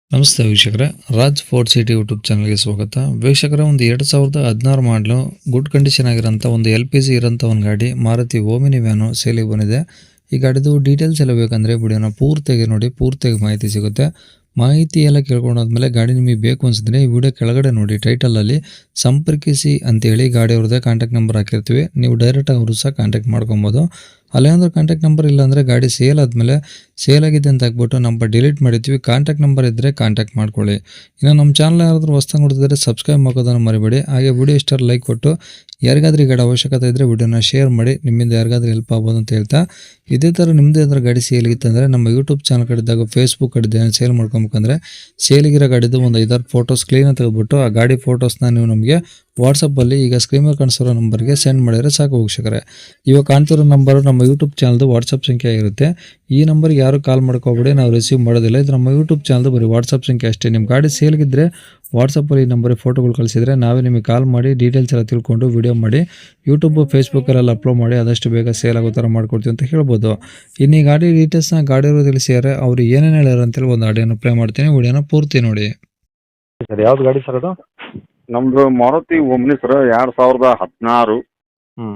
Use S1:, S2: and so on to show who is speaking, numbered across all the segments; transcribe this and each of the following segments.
S1: ನಮಸ್ತೆ ವೀಕ್ಷಕರೇ, Raj fort city YouTube ಚಾನಲ್ಗೆ ಸ್ವಾಗತ. ವೀಕ್ಷಕರೇ, ಒಂದು 2016 ಮಾಡಲು ಗುಡ್ ಕಂಡೀಷನ್ ಆಗಿರೋಂಥ ಒಂದು LPG ಇರೋಂಥ ಒಂದು ಗಾಡಿ ಮಾರುತಿ ಓಮಿನಿ ವ್ಯಾನು ಸೇಲಿಗೆ ಬಂದಿದೆ. ಈ ಗಾಡಿದು ಡೀಟೇಲ್ಸ್ ಎಲ್ಲ ಬೇಕಂದರೆ ವಿಡಿಯೋನ ಪೂರ್ತಿಯಾಗಿ ನೋಡಿ, ಪೂರ್ತಿಯಾಗಿ ಮಾಹಿತಿ ಸಿಗುತ್ತೆ. ಮಾಹಿತಿ ಎಲ್ಲ ಕೇಳ್ಕೊಂಡಾದ್ಮೇಲೆ ಗಾಡಿ ನಿಮಗೆ ಬೇಕು ಅನ್ಸಿದ್ರೆ ಈ ವಿಡಿಯೋ ಕೆಳಗಡೆ ನೋಡಿ ಟೈಟಲಲ್ಲಿ ಸಂಪರ್ಕಿಸಿ ಅಂತೇಳಿ ಗಾಡಿ ಅವ್ರದ್ದೇ ಕಾಂಟ್ಯಾಕ್ಟ್ ನಂಬರ್ ಹಾಕಿರ್ತೀವಿ. ನೀವು ಡೈರೆಕ್ಟಾಗಿ ಅವರು ಸಹ ಕಾಂಟ್ಯಾಕ್ಟ್ ಮಾಡ್ಕೊಬೋದು. ಅಲ್ಲೇನಾದ್ರೂ ಕಾಂಟ್ಯಾಕ್ಟ್ ನಂಬರ್ ಇಲ್ಲ ಅಂದರೆ ಗಾಡಿ ಸೇಲ್ ಆದಮೇಲೆ ಸೇಲ್ ಆಗಿದೆ ಅಂತ ಹಾಕ್ಬಿಟ್ಟು ನಂಬರ್ ಡಿಲೀಟ್ ಮಾಡಿರ್ತೀವಿ. ಕಾಂಟ್ಯಾಕ್ಟ್ ನಂಬರ್ ಇದ್ದರೆ ಕಾಂಟ್ಯಾಕ್ಟ್ ಮಾಡ್ಕೊಳ್ಳಿ. ಇನ್ನು ನಮ್ಮ ಚಾನಲ್ ಯಾರಾದರೂ ಹೊಸ್ದಾಗಿ ನೋಡ್ತಿದ್ರೆ ಸಬ್ಸ್ಕ್ರೈಬ್ ಮಾಡೋದನ್ನು ಮರಿಬೇಡಿ. ಹಾಗೆ ವಿಡಿಯೋ ಇಷ್ಟ ಲೈಕ್ ಕೊಟ್ಟು ಯಾರಿಗಾದ್ರೂ ಈ ಗಾಡಿ ಅವಶ್ಯಕತೆ ಇದ್ದರೆ ವಿಡಿಯೋನ ಶೇರ್ ಮಾಡಿ, ನಿಮ್ಮಿಂದ ಯಾರಿಗಾದ್ರೂ ಹೆಲ್ಪ್ ಆಗ್ಬೋದು ಅಂತ ಹೇಳ್ತಾ, ಇದೇ ಥರ ನಿಮ್ಮದೇ ಏನಾದರೂ ಗಾಡಿ ಸೇಲಿಗಿತ್ತಂದರೆ ನಮ್ಮ ಯೂಟ್ಯೂಬ್ ಚಾನಲ್ ಕಡೆದಾಗ ಫೇಸ್ಬುಕ್ ಕಡೆ ಸೇಲ್ ಮಾಡ್ಕೊಬೇಕಂದ್ರೆ ಸೇಲಿಗಿರೋ ಗಾಡಿದು ಒಂದು 5-6 ಫೋಟೋಸ್ ಕ್ಲೀನಾಗಿ ತೆಗೆದುಬಿಟ್ಟು ಆ ಗಾಡಿ ಫೋಟೋಸ್ನ ನೀವು ನಮಗೆ ವಾಟ್ಸಪ್ಪಲ್ಲಿ ಈಗ ಸ್ಕ್ರೀನ್ ಮೇಲೆ ಕಾಣಿಸಿರೋ ನಂಬರ್ಗೆ ಸೆಂಡ್ ಮಾಡಿದರೆ ಸಾಕು ವೀಕ್ಷಕರೇ. ಇವಾಗ ಕಾಣ್ತಿರೋ ನಂಬರು ನಮ್ಮ ಯೂಟ್ಯೂಬ್ ಚಾನಲ್ದು ವಾಟ್ಸಪ್ ಸಂಖ್ಯೆ ಆಗಿರುತ್ತೆ. ಈ ನಂಬರ್ಗೆ ಯಾರು ಕಾಲ್ ಮಾಡ್ಕೋಬೇಡಿ, ನಾವು ರಿಸೀವ್ ಮಾಡೋದಿಲ್ಲ. ಇದು ನಮ್ಮ ಯೂಟ್ಯೂಬ್ ಚಾನಲ್ದು ಬರೀ ವಾಟ್ಸಪ್ ಸಂಖ್ಯೆ ಅಷ್ಟೇ. ನಿಮ್ಮ ಗಾಡಿ ಸೇಲ್ಗಿದ್ರೆ ವಾಟ್ಸಪ್ಪಲ್ಲಿ ಈ ನಂಬರಿಗೆ ಫೋಟೋಗಳು ಕಳಿಸಿದರೆ ನಾವೇ ನಿಮಗೆ ಕಾಲ್ ಮಾಡಿ ಡೀಟೇಲ್ಸ್ ಎಲ್ಲ ತಿಳ್ಕೊಂಡು ವಿಡಿಯೋ ಮಾಡಿ ಯೂಟ್ಯೂಬ್ ಫೇಸ್ಬುಕ್ಕಲ್ಲೆಲ್ಲ ಅಪ್ಲೋಡ್ ಮಾಡಿ ಆದಷ್ಟು ಬೇಗ ಸೇಲ್ ಆಗೋ ಥರ ಮಾಡ್ಕೊಡ್ತೀವಿ ಅಂತ ಹೇಳ್ಬೋದು. ಇನ್ನು ಈ ಗಾಡಿ ಡೀಟೇಲ್ಸ್ನ ಗಾಡಿಯವರು ತಿಳಿಸಿದ್ದಾರೆ. ಅವರು ಏನೇನು ಹೇಳ್ಯಾರ ಅಂತೇಳಿ ಒಂದು ಆಡಿಯೋನ ಪ್ಲೇ ಮಾಡ್ತೀನಿ, ವಿಡಿಯೋನ ಪೂರ್ತಿ ನೋಡಿ.
S2: ಸರ್, ಯಾವ್ದು ಗಾಡಿ ಸರ್ ಅದು?
S3: ನಮ್ದು ಮಾರುತಿ ಓಮ್ನಿ ಸರ್, 2016.
S2: ಹ್ಞೂ.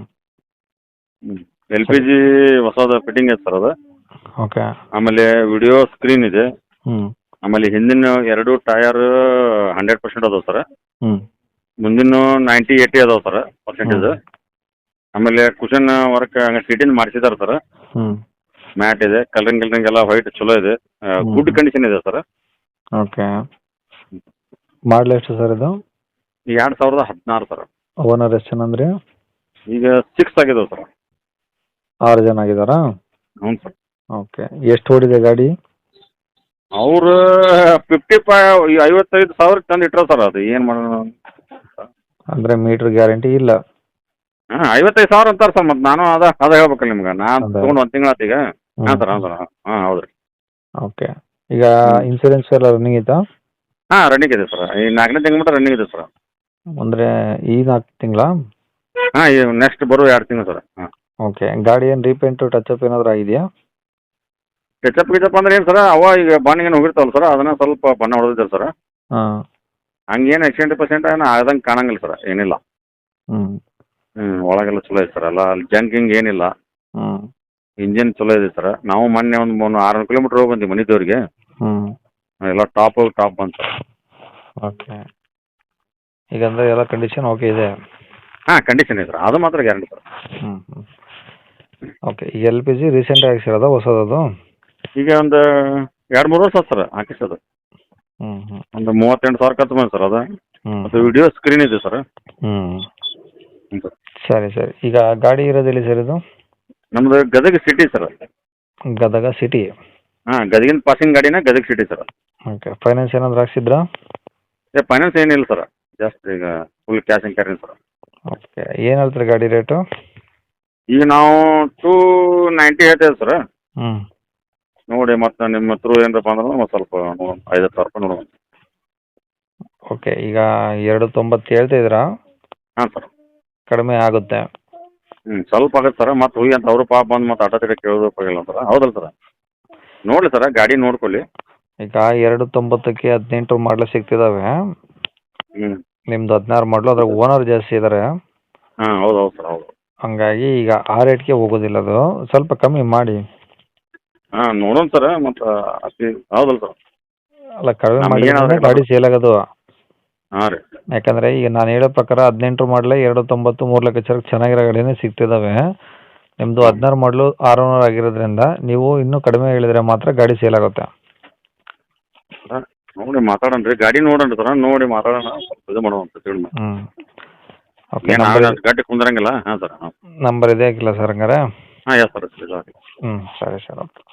S3: LPG ಹೊಸದ ಫಿಟ್ಟಿಂಗ್ ಐತೆ ಸರ್ ಅದು.
S2: ಓಕೆ.
S3: ಆಮೇಲೆ ವಿಡಿಯೋ ಸ್ಕ್ರೀನ್ ಇದೆ.
S2: ಹ್ಞೂ.
S3: ಆಮೇಲೆ ಹಿಂದಿನ 2 ಟಯರ್ 100% ಅದಾವ ಸರ್.
S2: ಹ್ಞೂ.
S3: ಮುಂದಿನ 90-80 ಅದಾವ ಸರ್ ಪರ್ಸೆಂಟೇಜ್. ಆಮೇಲೆ ಕುಷನ್ ವರ್ಕ್ ಸೀಟಿಂದ ಮಾಡಿಸಿದಾರೆ ಸರ್.
S2: ಹ್ಞೂ.
S3: ಮ್ಯಾಟ್ ಇದೆ, ಕಲರಿಂಗ್ ಎಲ್ಲ ವೈಟ್ ಚಲೋ ಇದೆ. ಗುಡ್ ಕಂಡೀಷನ್ ಇದೆ ಸರ್.
S2: ಓಕೆ. ಮಾಡಲ್ ಎಷ್ಟು ಸರ್ ಇದು?
S3: 2016 ಸರ್.
S2: ಓನರ್ ಎಷ್ಟು ಜನ ಅಂದ್ರಿ?
S3: ಈಗ 6 ಆಗಿದಾವೆ ಸರ್.
S2: 6 ಜನ ಆಗಿದಾರಾ?
S3: ಹ್ಞೂ ಸರ್.
S2: ಓಕೆ. ಎಷ್ಟು ಓಡಿದೆ ಗಾಡಿ?
S3: ಅವರು 55,000 ತಂದು ಇಟ್ಟರು ಸರ್. ಅದು ಏನು ಮಾಡೋಣ
S2: ಅಂದರೆ ಮೀಟ್ರ್ ಗ್ಯಾರಂಟಿ ಇಲ್ಲ?
S3: ಹಾಂ, 55,000 ಅಂತಾರೆ ಸರ್. ಮತ್ತು ನಾನು ಅದ ಹೇಳ್ಬೇಕಲ್ಲ ನಿಮ್ಗೆ. ನಾನು
S2: ಅದೇ.
S3: ತೊಗೊಂಡು 1 ತಿಂಗಳು ಆತು ಈಗ. ಹಾಂ ಸರ್, ಹಾಂ ಸರ್, ಹಾಂ ಹೌದು ರೀ.
S2: ಓಕೆ. ಈಗ ಇನ್ಸೂರೆನ್ಸ್ ಎಲ್ಲ ರನ್ನಿಂಗ್ ಐತಾ?
S3: ಹಾಂ, ರನ್ನಿಂಗ್ ಇದೆ ಸರ್. ಈ 4ನೇ ತಿಂಗಳು ಮಟ್ಟ ರನ್ನಿಂಗ್ ಇದೆ ಸರ್.
S2: ಅಂದರೆ ಈ 4 ತಿಂಗಳಾ?
S3: ಹಾಂ, ಈ ನೆಕ್ಸ್ಟ್ ಬರೋ 2 ತಿಂಗಳು ಸರ್. ಹಾಂ.
S2: ಓಕೆ. ಗಾಡಿ ಏನು ರೀಪೇಂಟು ಟಚಪ್ ಏನಾದರೂ ಆಗಿದೆಯಾ?
S3: ಗಿಚಪ್ ಅಂದ್ರೆ ಏನು ಸರ್, ಅವ ಈಗ ಬಾಣಿಗೇನು ಹೋಗಿರ್ತಾವಲ್ಲ ಸರ್, ಅದನ್ನ ಸ್ವಲ್ಪ ಬಣ್ಣ ಹೊಡೆದಿದ್ದಾರೆ ಸರ್.
S2: ಹಾಂ.
S3: ಹಂಗೇನು 80% ಏನೋ ಆದಂಗೆ ಕಾಣಂಗಿಲ್ಲ ಸರ್, ಏನಿಲ್ಲ.
S2: ಹ್ಞೂ.
S3: ಒಳಗೆಲ್ಲ ಚಲೋ ಇದೆ ಸರ್. ಎಲ್ಲ ಅಲ್ಲಿ ಜಂಕಿಂಗ್ ಏನಿಲ್ಲ.
S2: ಹ್ಞೂ.
S3: ಇಂಜಿನ್ ಚಲೋ ಇದೆ ಸರ್. ನಾವು ಮೊನ್ನೆ ಒಂದು 600 ಕಿಲೋಮೀಟ್ರ್ ಹೋಗಿ ಬಂದ್ವಿ ಮನಿದವ್ರಿಗೆ.
S2: ಹ್ಞೂ.
S3: ಎಲ್ಲ ಟಾಪ್ ಬಂತು ಸರ್.
S2: ಓಕೆ. ಈಗ ಅಂದರೆ ಎಲ್ಲ ಕಂಡೀಷನ್ ಓಕೆ ಇದೆ?
S3: ಹಾಂ, ಕಂಡೀಷನ್ ಇದೆ ಸರ್, ಅದು ಮಾತ್ರ ಗ್ಯಾರಂಟಿ ಸರ್.
S2: ಹ್ಞೂ. ಹ್ಞೂ. ಓಕೆ. ಈ LPG ರೀಸೆಂಟಾಗಿ ಹಾಕ್ಸಿರೋದಾ ಹೊಸದದು?
S3: ಈಗ ಒಂದು 2-3 ವರ್ಷ ಆಯ್ತು ಸರ್ ಹಾಕಿಸೋದು.
S2: ಹ್ಞೂ. ಹ್ಞೂ.
S3: ಒಂದು 38,000 ಖರ್ಚು ಬಂದು ಸರ್ ಅದು.
S2: ಹ್ಞೂ.
S3: ಮತ್ತು ವಿಡಿಯೋ ಸ್ಕ್ರೀನ್ ಇದೆ ಸರ್.
S2: ಹ್ಞೂ.
S3: ಹ್ಞೂ ಸರ್.
S2: ಸರಿ ಸರಿ. ಈಗ ಗಾಡಿ ಇರೋದೆಲ್ಲಿ ಸರ್ ಇದು?
S3: ನಮ್ಮದು Gadag city sir.
S2: Gadag city?
S3: ಹಾಂ, ಗದಗಿನ ಪಾಸಿಂಗ್ ಗಾಡಿನ Gadag city sir.
S2: Okay. Finance ಏನಾದರೂ ಹಾಕ್ಸಿದ್ರಾ?
S3: ಫೈನಾನ್ಸ್ ಏನಿಲ್ಲ ಸರ್, ಜಾಸ್ತಿ ಈಗ full cash and carry sir.
S2: Okay. ಏನು ಹೇಳ್ತೀರಿ ಗಾಡಿ ರೇಟು?
S3: ಈಗ ನಾವು 290 ಹೇಳ್ತೇವೆ ಸರ್.
S2: ಹ್ಞೂ.
S3: ನೋಡಿ, ಮತ್ತು ನಿಮ್ಮ ಥ್ರೂ ಏನಪ್ಪ ಅಂದ್ರೆ ಒಂದು ಸ್ವಲ್ಪ 50,000 ರೂಪಾಯಿ ನೋಡುವ.
S2: ಓಕೆ. ಈಗ 290 ಹೇಳ್ತಾ ಇದ್ದೀರಾ?
S3: ಹಾಂ ಸರ್.
S2: ಕಡಿಮೆ ಆಗುತ್ತೆ?
S3: ಸ್ವಲ್ಪ ಆಗುತ್ತೆ ಸರ್. ಮತ್ತು ಹೋಗಿ ಅಂತ ಅವರು ಪಾಪ ಬಂದು ಮತ್ತು ಆಟೋ ತಿರ್ಗಿ ಕೇಳೋದಕ್ಕಾಗಿಲ್ಲ ಸರ್. ಹೌದಲ್ಲ ಸರ್? ನೋಡಿರಿ ಸರ್, ಗಾಡಿ ನೋಡ್ಕೊಳ್ಳಿ.
S2: ಈಗ 290ಕ್ಕೆ 18 ಮಾಡಲು ಸಿಗ್ತಿದ್ದಾವೆ.
S3: ಹ್ಞೂ.
S2: ನಿಮ್ದು 16 ಮಾಡಲು, ಅದ್ರಾಗ ಓನರ್ ಜಾಸ್ತಿ ಇದ್ದಾರೆ.
S3: ಹಾಂ, ಹೌದು ಸರ್, ಹೌದು.
S2: ಹಂಗಾಗಿ ಈಗ ಆ ರೇಟ್ಗೆ ಹೋಗೋದಿಲ್ಲ ಅದು. ಸ್ವಲ್ಪ ಕಮ್ಮಿ ಮಾಡಿ.
S3: ಹಾಂ, ನೋಡೋಣ ಸರ್. ಮತ್ತು ಹೌದಲ್ಲ ಸರ್?
S2: ಅಲ್ಲ, ಕಡಿಮೆ
S3: ನಮ್ಗೆ
S2: ಮಾಡಿ
S3: ಏನಾದ್ರು
S2: ಗಾಡಿ ಸೇಲ್ ಆಗೋದು.
S3: ಹಾಂ ರೀ.
S2: ಯಾಕಂದರೆ ಈಗ ನಾನು ಹೇಳೋ ಪ್ರಕಾರ 18 ಮಾಡಲೇ 290 3 ಲಕ್ಷ ಚೆನ್ನಾಗಿರೋ ಗಾಡಿನೇ ಸಿಗ್ತಿದ್ದಾವೆ. ನಿಮ್ಮದು 16 ಮಾಡಲು 600 ಆಗಿರೋದ್ರಿಂದ ನೀವು ಇನ್ನೂ ಕಡಿಮೆ ಹೇಳಿದರೆ ಮಾತ್ರ ಗಾಡಿ ಸೇಲ್ ಆಗುತ್ತೆ.
S3: ನೋಡಿ ಮಾತಾಡೋಣ ರೀ, ಗಾಡಿ ನೋಡೋಣ ಸರ್, ನೋಡಿ ಮಾತಾಡೋಣ, ಸ್ವಲ್ಪ ಇದು ಮಾಡೋಣ ಅಂತ ಹೇಳಿ.
S2: ಹ್ಞೂ. ಓಕೆ.
S3: ಏನು ಗಟ್ಟಿ ಕುಂದ್ರಂಗಿಲ್ಲ. ಹಾಂ ಸರ್. ಹಾಂ,
S2: ನಂಬರ್ ಇದೆ ಹಾಕಿಲ್ಲ ಸರ್ ಹಂಗಾರೆ?
S3: ಹಾಂ, ಎಸ್ ಸರ್.
S2: ಹ್ಞೂ. ಸರಿ ಸರ್. ಓಕೆ.